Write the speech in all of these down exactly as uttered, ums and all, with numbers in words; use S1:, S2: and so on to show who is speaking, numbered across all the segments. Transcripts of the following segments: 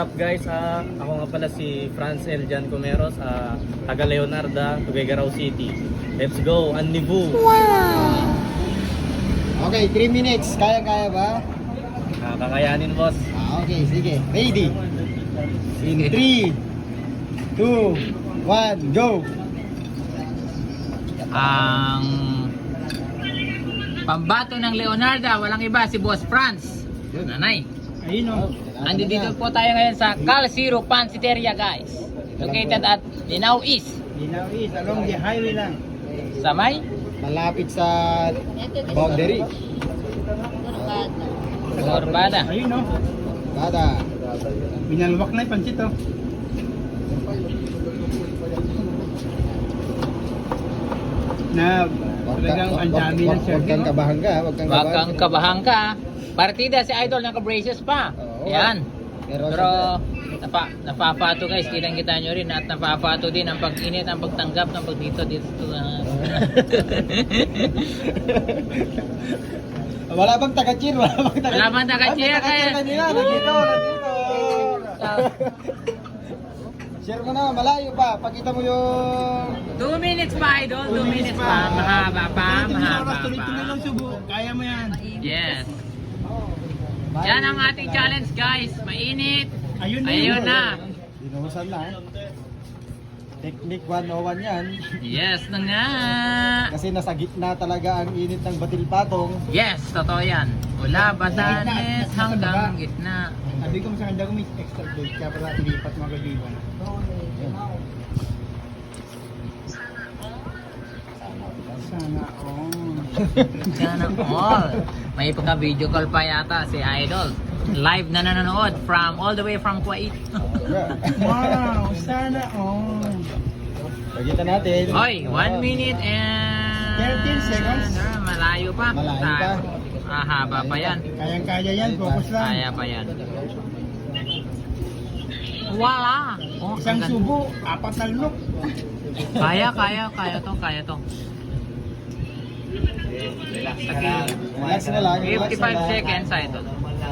S1: up guys? Ah, ako nga pala si Franz Eljan Comeros, ah, taga Leonarda, Tuguegarao City. Let's go, Annibu!
S2: Okay, three minutes. Kaya-kaya ba?
S1: Ah, kakayanin boss.
S2: Ah, okay, sige. Ready? In three, two, one, go!
S3: Ang pambato ng Leonarda, walang iba, si Boss Franz. Nanay.
S2: Ayun o.
S3: Andito po tayo ngayon sa Cal Zero Pansiteria guys. Located at Linao East.
S2: Linaw is along the highway lang.
S3: Sa may
S2: Malapit sa boundary.
S3: Corbada.
S2: Ayun o. Bada. Binalwak na yung pansit o. Na talagang ang dami ng
S4: Huwag kang kabahan ka, huwag kang
S3: Wag
S4: kabahan.
S3: kang kabahan ka. Partida si Idol naka-braces pa.
S4: Oo.
S3: Yan.
S4: Pero,
S3: Pero napa, napapato guys, kitang-kita nyo rin at napapato din ang pag-init, ang pagtanggap ng pag dito dito. Uh,
S2: Wala bang taga-cheer? Wala bang taga-cheer?
S3: Wala bang taga-cheer?
S2: Ay, may taga-cheer kanina. Nandito, nandito. Share mo na, malayo pa. Pakita mo yung...
S3: two minutes pa Idol, two minutes pa. Mahaba pa, mahaba
S2: Tuloy-tuloy lang
S3: pa.
S2: subo. Kaya mo yan.
S3: Yes. Yan ang ating challenge guys. Mainit.
S2: Ayun na.
S3: Ayun na.
S2: Dinuhusan na. eh. Technique one oh one yan.
S3: Yes na nga.
S2: Kasi nasa gitna talaga ang init ng batil-patong.
S3: Yes, totoo yan. Mula Batanes hanggang gitna.
S2: Sabi ko sa kanya kung may extra blade, kaya pala ilipat mga kaibigan. Sana all.
S3: Sana all. May pagka-video call pa yata si Idol. Live na nanonood from all the way from Kuwait.
S2: Wow, sana all. Pagkita natin.
S3: Hoy, one minute and...
S2: thirteen seconds.
S3: Ah, malayo pa.
S2: Malayo
S3: Ta-
S2: pa.
S3: Ah, haba pa yan.
S2: Kayang-kaya yan, focus lang.
S3: Kaya pa yan. Wala. Oh,
S2: Isang
S3: ang ganda.
S2: subo, apat na lunok.
S3: Kaya, kaya, kaya to, kaya to.
S2: Relax na lang. relax na
S3: fifty-five
S2: lang.
S3: seconds, Idol.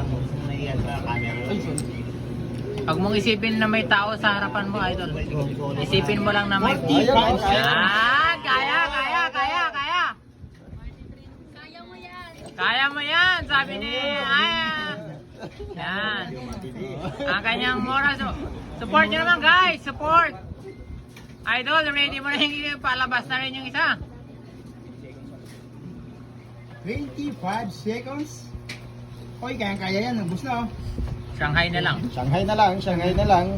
S3: Pag mong isipin na may tao sa harapan mo, Idol. Isipin mo lang na may...
S2: Ayun, kaya.
S3: Ah, kaya, kaya, kaya, kaya. Kaya mo yan, sabi ni Aya. Yan. Ang kanyang moral. So, support nyo naman guys, support. Idol, ready mo na yung palabas na rin yung isa.
S2: twenty-five seconds. Oy, kayang-kaya yan. Ubus na oh.
S3: Shanghai na lang.
S2: Shanghai na lang, Shanghai na lang.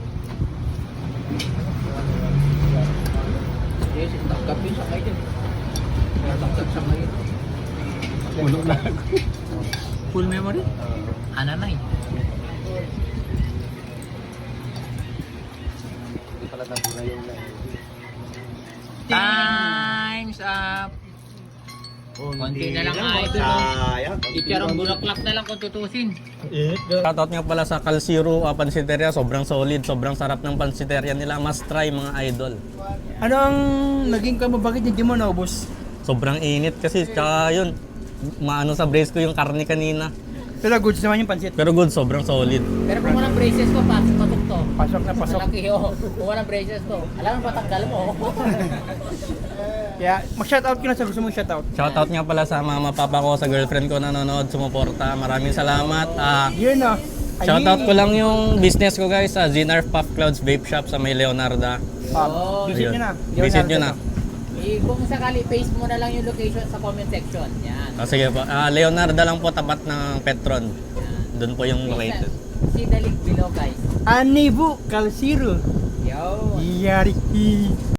S2: Puno na.
S3: Full memory? Ano na eh. Time's up. Konti na lang Idol. Icharong bulaklak na lang kung tutusin.
S1: Shoutout nga pala sa Cal Zero uh, Pansiteria, sobrang solid, sobrang sarap ng pansiteria nila. Must try mga idol.
S2: Ano ang naging kamo? Bakit hindi mo naubos?
S1: Sobrang init kasi, tsaka yun, maano sa brace ko yung karne kanina.
S2: Pero goods naman yung pansit.
S1: Pero good, sobrang solid.
S3: Pero kung walang braces ko, pasok patok to.
S2: Pasok na pasok.
S3: Malaki oh. Kung walang braces ko, alam mo patanggal mo.
S2: Kaya mag-shoutout ka na sa gusto mong shoutout.
S1: Shoutout nga pala sa mama papa ko, sa girlfriend ko na nanonood, sumuporta. Maraming salamat. Ah,
S2: Yun oh.
S1: shoutout ko lang yung business ko guys, sa Zinarf Puff Clouds Vape Shop sa may Leonarda.
S3: Oh,
S2: Visit
S1: Ayun.
S2: nyo na.
S1: Visit nyo na.
S3: Eh, kung sakali, paste mo na lang yung location sa comment section. Yan.
S1: Ah, sige po. Ah, Leonarda lang po, tapat ng Petron. Doon po yung located.
S3: See the link below guys.
S2: Anibu Cal Zero.
S3: Yo.
S2: Yari.